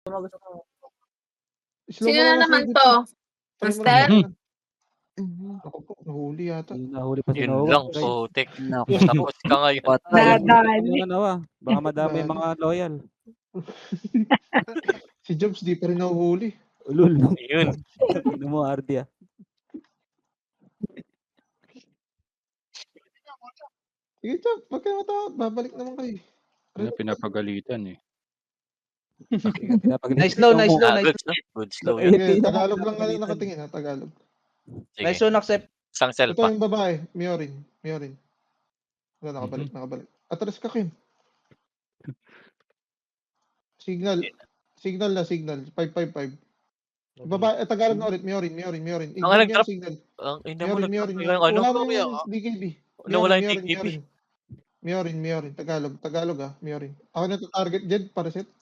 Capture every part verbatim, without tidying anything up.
Sino na naman 'to? Master? Mhm. Naku po, nahuli yata. Yun, nahuli pa si Yun Noah, lang, guys. putik. Naku. Tapos ka ngayon. Patay. Nadali. Ano, Noah, baka madami yung mga loyal. Si Jobs di pa rin nahuhuli. Ulul. Ayun. Tingnan mo, Ardia. Sige, Jobs, wag kayo matakot. Babalik naman kayo. Ano, pinapagalitan eh. Nice slow, nice slow, Ah, nice good slow. Good slow Ay, yun. Sige, Tagalog lang nga nakatingin ha, Tagalog. Sige. Nice slow, accept. Isang cell Ito pa. yung babae, Miorin. Miorin. Wala, nakabalik, nakabalik. Atras ka, Kim. Signal. Signal na, signal. five five five. Babae, eh, Tagalog na ulit. Miorin, Miorin, Miorin. Ang Ignore niya nag-drop. yung signal. Ang ina mo, Miorin, Miorin, nag-drop Miorin. yung ano. Wala mo yung D K B. Nawala yung Miorin, D K B. Miorin. Miorin, Miorin. Tagalog. Tagalog ah, Miorin. Ako na to target, Jed, para set.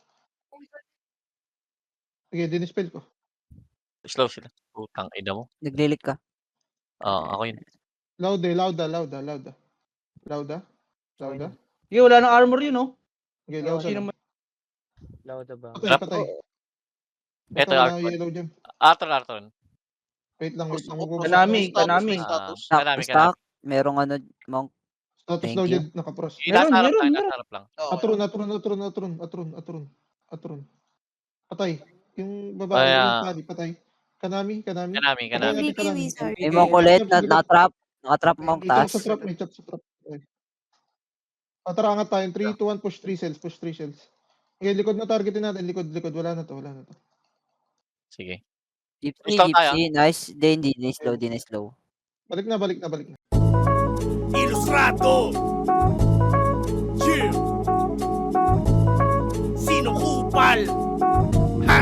Sige, dinispel ko. Slow sila. Putang ina mo. Naglilik ka. Oo, ako yun. Lauda, lauda, lauda, lauda. Lauda? Lauda? Sige, wala nang armor yun, no? Okay, lauda. Sino lang. man? Lauda ba? Patay, Trap. patay. Ito, Ito, wala Arthur. yung yellow dyan. Arthur, Arthur. Wait lang, wait lang. Kanami, kanami. Ah, Stock, kanami, stock. Merong ano, Monk. Status Thank daw you. dyan, nakapros. Yung Meron, nasa harap meron, lang, meron. nasa harap lang. Atron, atron, atron, atron, atron, atron, atron. Patay. Yung babae, Ay, yung ah. pari, patay. Kanami, kanami. Kanami, kanami. Patay, kanami. May Monk ulit. Na, nakatrap. Nakatrap Monk May chop taas. sa trap, may chop sa trap. Okay. Atarangat tayo. three, two, one, push three cells, push three cells. Okay, likod na targetin natin. Likod, likod. Wala na to, wala na to. Sige. Gypsy, Slow tayo. Gypsy. Nice. Di, hindi. Di slow, di na slow. Balik na, balik na, balik na. Ilustrado. Yeah. Sino kupal? Ha?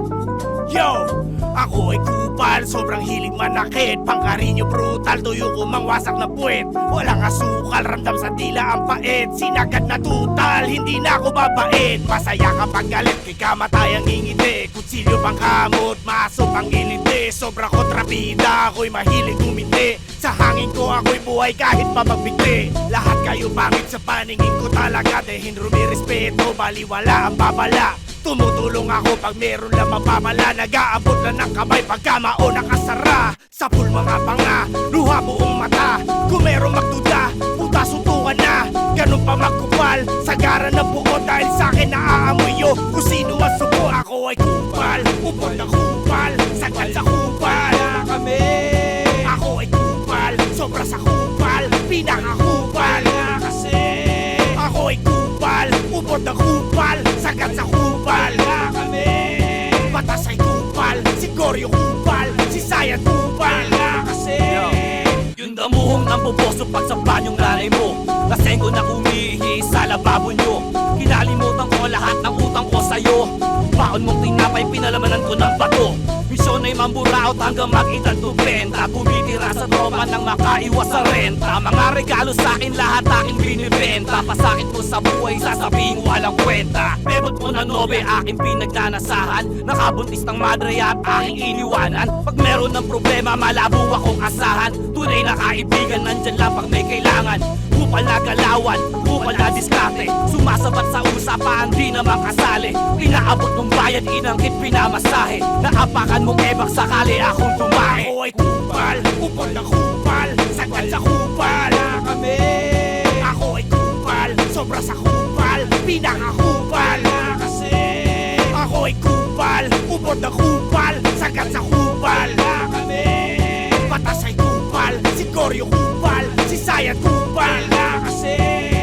Yo! Ako ay kupal, sobrang hilig manakit. Pangkarinyo brutal, tuyo ko mang wasak na puwet. Walang asukal, ramdam sa dila ang pait. Sinagad na tutal, hindi na ako babait. Masaya kapag galit, kay kamatay ang ngingiti. Kutsilyo pang kamot, maso pang ngiliti. Sobra kontrabida, ako'y mahilig umiti. Sa hangin ko ako'y buhay kahit papagbigti. Lahat kayo pangit sa paningin ko talaga. Dehin rumirespeto, baliwala ang babala. Tumutulong ako pag meron lang mapamala. Nag-aabot na ng kamay pagka mao nakasara. Sa pool mga panga, luha buong mata. Kung meron magduda, puta suntukan na. Ganun pa magkupal, sagara na buo. Dahil sa'kin naaamoy yo. Kung sino ang suko, ako ay kupal. Upod na kupal, sagad sa kupal. Kami, ako ay kupal, sobra sa kupal. Pinakakupal kasi ako ay kupal, upod na kupal, sagad sa kupal. Kami, batas ay kupal, si Goryo kupal, si Sayan kupal. Kasi yung damuhong ng buboso pag sa banyong nanay mo. Laseng ko na umihi sa lababo nyo. Kinalimutan ko lahat ng utang ko sa'yo. Baon mong tinapay, pinalamanan ko ng bato. Misyon ay mamburaot hanggang mag-edad tubenta. Bumitira sa tropa nang makaiwas sa renta. Mga regalo sa'kin lahat aking binibenta. Pasakit mo sa buhay, sasabihin walang kwenta. Bebot mo na nobe, aking pinagnanasahan. Nakabuntis ng madre at aking iniwanan. Pag meron ng problema, malabo akong asahan. Tunay na kaibigan, nandyan lang pag may kailangan. Kupal na galawan, kupal na diskarte. Sumasabat sa usapan, di naman kasali. Inaabot ng bayad, inangkit pinamasahe. Naapakan mong ebak sakali akong tumahe. Ako ay kupal, upod na kupal, sagad sa kupal. Kami, ako ay kupal, sobra sa kupal, pinakakupal. Kasi ako ay kupal, upod na kupal, sagad sa kupal. Kami, batas ay kupal, si Goryo kupal, si Sayan kupal. Kasi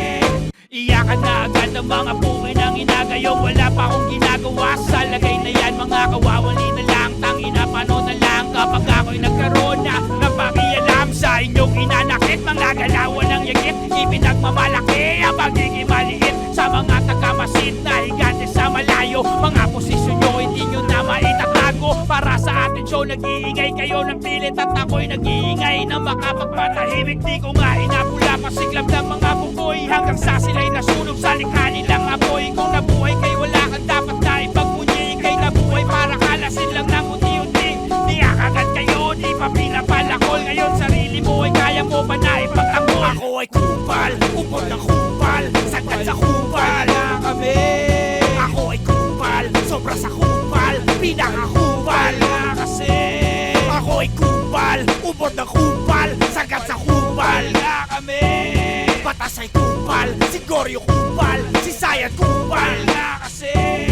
iyakan na agad ang mga buhay ng inagayong wala pa akong ginagawa sa lagay na yan. Mga kawawali na lang, tangina pano na lang kapag ako'y nagkaroon na napakialam sa inyong inanakit. Mga galawan ng yagit, ipinagmamalaki ang pagiging maliit sa mga tagamasid na higante sa malayo. Mga posisyon nyo hindi nyo na maitatago. Para sa atin show, nag-iingay kayo ng pilit at ako'y nag-iingay na makapagpatahimik. Di ko nga inapula pasiglab ng mga buboy hanggang sa sila'y nasunog sa likha nilang apoy. Kung nabuhay kay wala kang dapat na ipagpunyi. Kay nabuhay para kalasin lang ng unti-unti. Di akagat kayo, di pa pinapalakol. Ngayon sarili mo ay kaya mo pa na ipagtanggol. Ako ay kupal, upod na kupal, sagad sa kupal. Kami, ako ay kupal, so Sobra sa kupal, pinakakupal nga kasi ako ay kupal, ubod ng kupal, sagat sa kupal nga kami. Batas ay kupal, si Goryo kupal, si Sayat kupal nga kasi